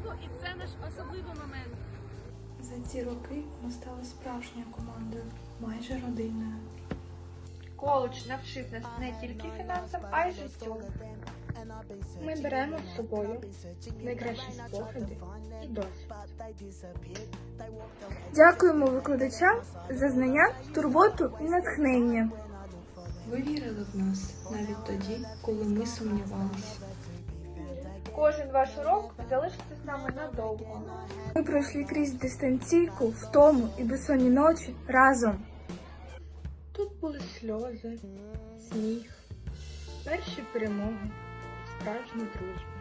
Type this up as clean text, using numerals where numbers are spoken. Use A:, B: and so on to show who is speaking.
A: підтримку, і це наш особливий момент.
B: За ці роки ми стали справжньою командою, майже родиною.
C: Коледж навчив нас не тільки фінансам, а й життю. Ми беремо з собою найкращі спогади і досвід.
D: Дякуємо викладачам за знання, турботу і натхнення.
B: Ви вірили в нас навіть тоді, коли ми сумнівалися.
C: Кожен ваш урок залишиться з нами надовго.
D: Ми пройшли крізь дистанційку, втому і безсонні ночі разом.
C: Тут були сльози, сміх, перші перемоги, справжня дружба.